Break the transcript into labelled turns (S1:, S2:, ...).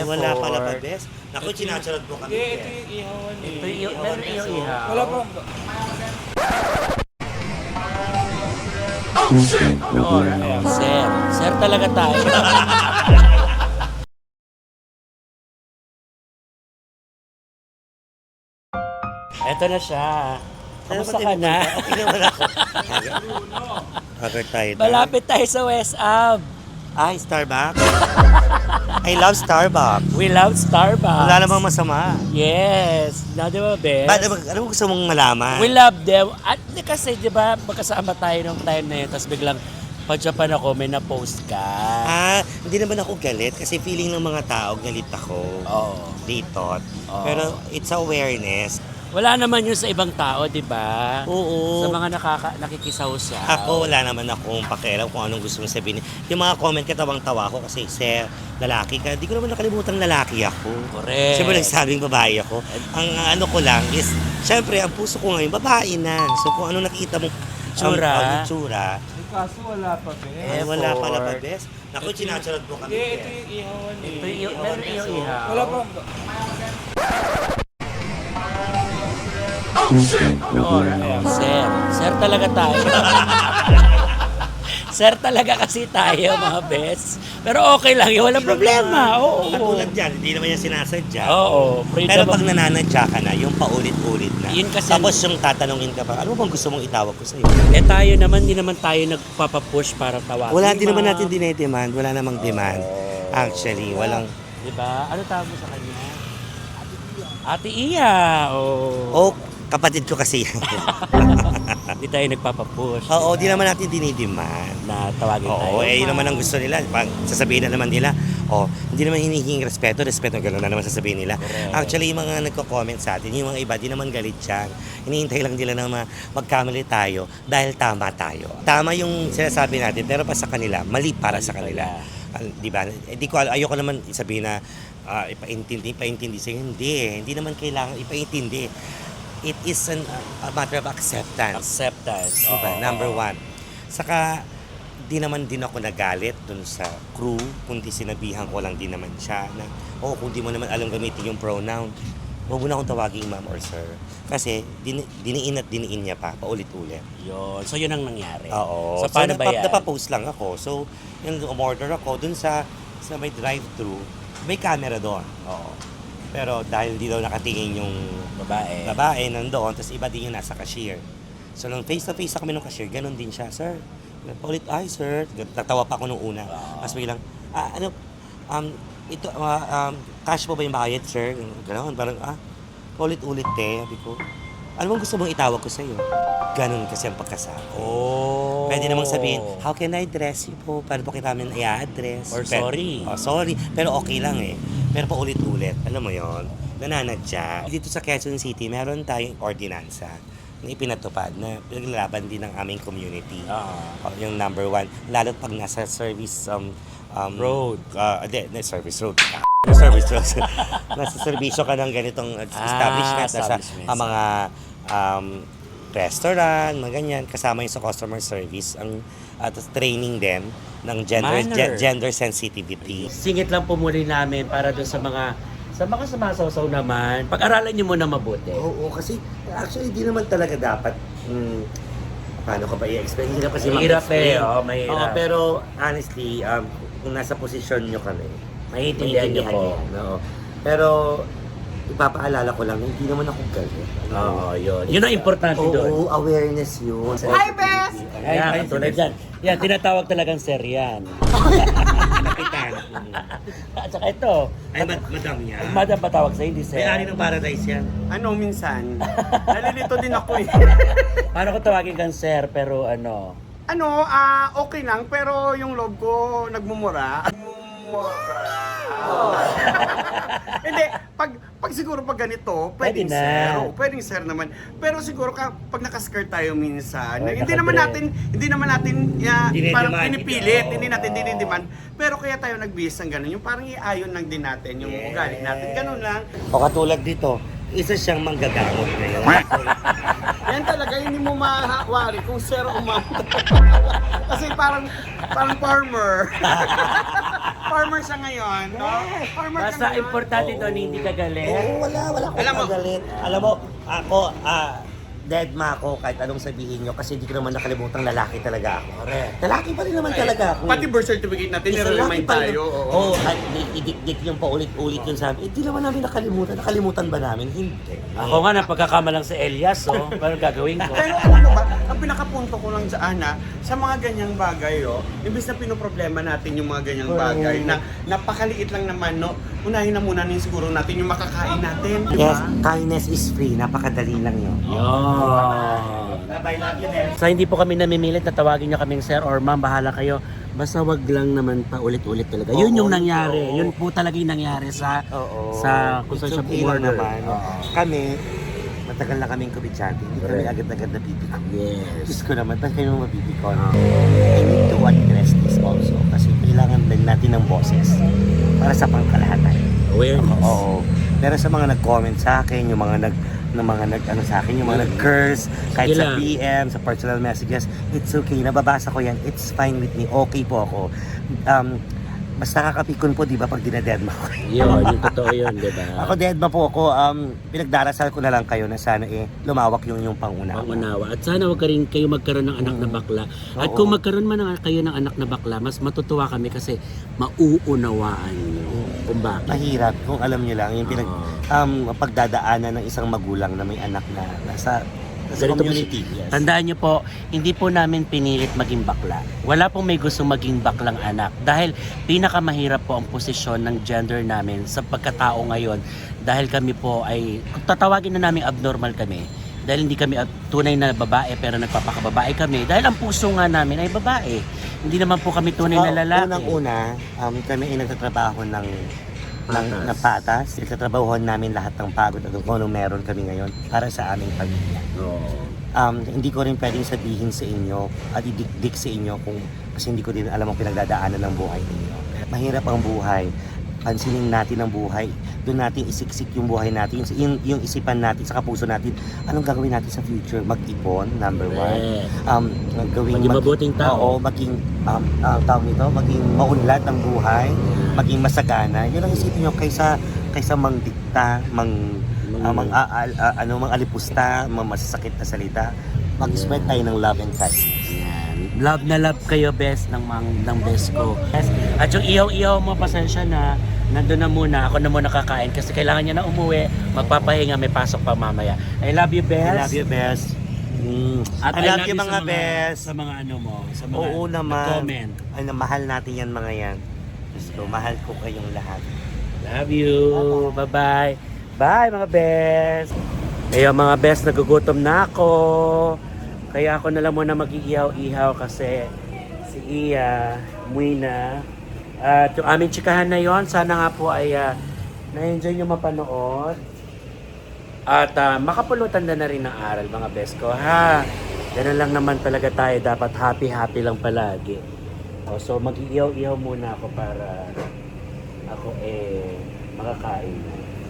S1: wala pala pa, bes. Naku, sinacharot mo kami.
S2: Hindi, ito yung ihawan eh.
S3: Ito yung meron yung ihaw.
S2: Wala pa.
S3: Sir. Sir talaga tayo. Eto na siya. Kamusta ka na?
S1: Okay naman ako. Hagar tayo.
S3: Malapit tayo sa West Ab.
S1: Ay, Starbucks. I love Starbucks.
S3: We love Starbucks.
S1: Wala namang masama.
S3: Yes. Na, di ba, Bes?
S1: Ano mo gusto mong malaman?
S3: We love them. At kasi, di ba, magkasama tayo nung time na yun, tapos biglang pag-Japan ako, may na-post ka.
S1: Hindi naman ako galit kasi feeling ng mga tao galit ako.
S3: Oo.
S1: Dito.
S3: Oo.
S1: Pero it's awareness.
S3: Wala naman yun sa ibang tao, di ba?
S1: Oo.
S3: Sa mga nakikisaw-saw.
S1: Ako, wala naman akong pakialam kung anong gusto mong sabihin. Yung mga comment, katawang-tawa ko kasi, sir, lalaki ka. Di ko naman nakalimutan lalaki ako.
S3: Correct.
S1: Siyempre nagsabing babae ako. Ang ano ko lang is, syempre, ang puso ko ngayon, babae na. So kung ano nakita mo,
S3: Tsura.
S1: tsura.
S2: Kaso wala pa, be.
S1: Wala pala pa, bes. Naku, sinacharot mo kami.
S2: Hindi, ito yung ihawan eh.
S3: Ito yung meron yung ihaw.
S2: Wala pa.
S3: Sir. Sir talaga tayo. Sir talaga kasi tayo, mga bes. Pero okay lang yun. Walang problema. Oo.
S1: Katulad dyan, hindi naman yan sinasadya.
S3: Oo.
S1: Pero pag nananadya ka na, yung paulit-ulit na.
S3: Yun kasi-
S1: Tapos yung tatanungin ka pa, ano bang gusto mong itawag ko sa'yo?
S3: Eh tayo naman, di naman tayo nagpapapush para tawagin.
S1: Wala din naman natin dinedemand. Wala namang demand. Actually, walang...
S3: Di ba? Ano tawag mo sa kanya? Ate Iya.
S1: Oh, kapatid ko kasi yan.
S3: Hindi tayo nagpapapush.
S1: Oo, di naman natin dinidemand.
S3: Na tawagin tayo.
S1: Oo, yun naman ang gusto nila. Pag sasabihin na naman nila, hindi naman hinihingi respeto, gano'n na naman sasabihin nila.
S3: Correct.
S1: Actually, yung mga nagko-comment sa atin, yung mga iba, di naman galit yan. Hinihintay lang nila na magkamali tayo dahil tama tayo. Tama yung sinasabi natin, pero pa sa kanila, mali para sa kanila. Di ba? Ayoko naman sabihin na ipaintindi sa'yo. Hindi naman kailangan ipaintindi. It is a matter of acceptance.
S3: Acceptance.
S1: Diba? Number one. Saka, di naman din ako nagalit dun sa crew, kundi sinabihan ko lang din naman siya na, kung di mo naman alam gamitin yung pronoun, huwag mo na akong tawaging ma'am or sir. Kasi, diniin at diniin niya pa, paulit-ulit.
S3: Yun. So, yun ang nangyari.
S1: Oo.
S3: So, paano ba yan?
S1: Napapost lang ako. So, yung umorder ako, dun sa may drive-thru, may camera doon. Oo. Pero dahil di daw nakatingin yung babae nandoon, tapos iba din yung nasa cashier. So, nung face-to-face kami ng cashier, ganun din siya, sir. Paulit, ay sir, natawa pa ako nung una. Tapos biglang, cash po ba yung bayad, sir? Ganun, parang, paulit-ulit sabi ko. Ano bang gusto mong itawag ko sa'yo? Ganun kasi ang pagkasabi.
S3: Oh.
S1: Pwede namang sabihin, how can I address you po? Paano po kita namin i-address?
S3: Or sorry.
S1: Sorry. Pero okay lang eh. Pero paulit-ulit. Alam mo yon, nananadya. Dito sa Quezon City, meron tayong ordinansa na ipinatupad na pinaglalaban din ng aming community. Yung number one. Lalo't pag nasa service
S3: road.
S1: Service road. Service road. Nasa servisyo ka ng ganitong establishment. Nasa mga restaurant, mga ganyan. Kasama yung sa customer service. At training din ng gender sensitivity.
S3: Singit lang po muli namin para doon sa mga sumasaw-saw naman. Pag-aralan nyo muna mabuti.
S1: Oo, kasi actually di naman talaga dapat paano ka ba i-explain? Hirap kasi
S3: Mahirap
S1: mag-explain.
S3: mahirap.
S1: Oo, pero honestly, kung nasa posisyon nyo kami,
S3: Maintindihan nyo po.
S1: No. Pero ipapaalala ko lang, hindi naman ako galit.
S3: Yun. Yun ang importante doon.
S1: Oo, awareness yun.
S4: Hi, Bes!
S3: Ayan, katulad yan. Yan, tinatawag talagang sir yan.
S1: Kapitan.
S3: At saka ito,
S1: Ay, madam niya.
S3: madam patawag sa'yo, hindi sir.
S1: May-ari ng paradise yan.
S4: Ano, minsan? Nalilito din ako eh.
S3: Paano ko tawagin kang sir, pero ano?
S4: Okay lang, pero yung loob ko nagmumura. Hindi, pag siguro pag ganito, pwedeng
S3: Pwede na.
S4: sir. Pwedeng sir naman. Pero siguro pag naka-skirt tayo minsan,
S3: Or
S4: hindi naman natin
S1: Dinidemand,
S4: parang pinipilit,
S1: oo.
S4: hindi natin dinidemand. Pero kaya tayo nagbihis ng ganun, yung parang iayon lang din natin, yung ugali natin. Ganun lang.
S1: O katulad dito, isa siyang manggagamot na yun.
S4: Yan talaga, hindi mo mahawari kung sir o ma'am. Kasi parang farmer. farmer siya ngayon, no? Farmer ka
S3: Basta
S4: ngayon.
S3: importante doon, hindi ka galit.
S1: wala akong
S4: Alam mo-
S1: magalit. Alam mo, ako, dead ma ako kahit anong sabihin nyo kasi hindi ko naman nakalimutang lalaki talaga ako.
S3: Correct.
S1: Lalaki pa rin naman talaga ako.
S4: Pati birth certificate natin,
S1: Isa
S4: nire-remind
S1: laki pa rin.
S4: tayo. Oo.
S1: Oo, at idikdik yung paulit-ulit yun sa amin. Hindi naman namin nakalimutan. Nakalimutan ba namin? Hindi.
S3: Ako nga, napagkakamalang si Elias, oh. Paano gagawin ko?
S4: Pero alam mo ba, ang pinakapunto ko lang dyan, sa mga ganyang bagay, imbis na pinoproblema natin yung mga ganyang bagay, na napakaliit lang naman, no? Unahin na muna siguro natin yung makakain natin. di ba?
S1: Yes, kindness is free. Napakadali lang yun.
S3: Yun.
S1: Bye-bye, love you, Nels.
S3: So hindi po kami namimilit na tawagin niyo kaming sir or ma'am, bahala kayo. Basta wag lang naman pa ulit-ulit talaga. Yun yung
S1: Oo,
S3: nangyari.
S1: oo.
S3: Yun po talaga yung nangyari sa
S1: Oo.
S3: kung saan
S1: It's
S3: siya
S1: okay lang
S3: order.
S1: naman.
S3: Oo.
S1: Kami, matagal na kaming kubidyante. Hindi kami
S3: Correct.
S1: agad-agad napipikon.
S3: Yes.
S1: Diyos ko naman, ba't kayo mapipikon? I need to address this also kasi kailangan din natin ng boses para sa pangkalahatan.
S3: Awareness.
S1: Oo. Pero sa mga nag-comment sa akin, yung mga nag-ano sa akin, yung mga nag-curse, kahit
S3: Sige
S1: sa
S3: lang.
S1: PM, sa personal messages, it's okay. Nababasa ko yan. It's fine with me. Okay po ako. Basta kakapikon po, di ba, pag dinadedma ko.
S3: Yun, yung totoo yun, di ba?
S1: Ako dedma po ako. Pinagdarasal ko na lang kayo na sana lumawak yung pangunawa.
S3: Pangunawa. At sana wag ka rin kayo magkaroon ng anak na bakla. At
S1: Oo.
S3: kung magkaroon man kayo ng anak na bakla, mas matutuwa kami kasi mauunawaan nyo. Kung bakit.
S1: Mahirap kung alam niyo lang yung pagdadaanan ng isang magulang na may anak na nasa
S3: Ganito po
S1: community. Yes.
S3: Tandaan nyo po, hindi po namin pinilit maging bakla. Wala pong may gusto maging baklang anak. Dahil pinakamahirap po ang posisyon ng gender namin sa pagkatao ngayon. Dahil kami po ay, kung tatawagin na namin abnormal kami, dahil hindi kami tunay na babae pero nagpapakababae kami. Dahil ang puso nga namin ay babae. Hindi naman po kami tunay na lalaki.
S1: Unang-una, kami ay nagtatrabaho ng patas. Nagtatrabahuhan namin lahat ng pagod at kung anong meron kami ngayon para sa aming pamilya. Hindi ko rin pwedeng sabihin sa inyo at idikdik sa inyo kasi hindi ko din alam ang pinagdadaanan ng buhay ninyo. Mahirap ang buhay. Pansinin natin ang buhay. Doon natin isiksik yung buhay natin, yung isipan natin, sa kapuso natin. Anong gagawin natin sa future? Mag-ipon, number one.
S3: Maging mabuting tao.
S1: Oo, maging, tawag nito, maging maunlad ang buhay, maging masagana. Yun ang isipin nyo kaysa mangdikta, mang-alipusta, masasakit na salita. Mag-spread tayo ng love and kindness.
S3: Yan. Love na love kayo, best ng best ko. Yes. At yung ihaw-ihaw mo, pasensya na. Nandun na muna. Ako na muna kakain kasi kailangan niya na umuwi. Magpapahinga, may pasok pa mamaya. I love you, best.
S1: I love you, best.
S3: At
S1: I love you, mga best.
S3: Sa mga ano mo. Sa mga
S1: Oo naman.
S3: comment.
S1: Ay, mahal natin yan, mga yan. So, mahal ko kayong lahat.
S3: Love you. Bye-bye. Bye, mga best. Kaya mga best, nagugutom na ako. Kaya ako na lang muna mag-iihaw-ihaw kasi si Iya, umuwi na. At yung aming chikahan na yon, sana nga po ay na-enjoy nyo mapanood. At makapulutan na rin ng aral, mga best ko. Ha, ganun lang naman talaga tayo. Dapat happy-happy lang palagi. So mag-iihaw-ihaw muna ako para ako makakain na.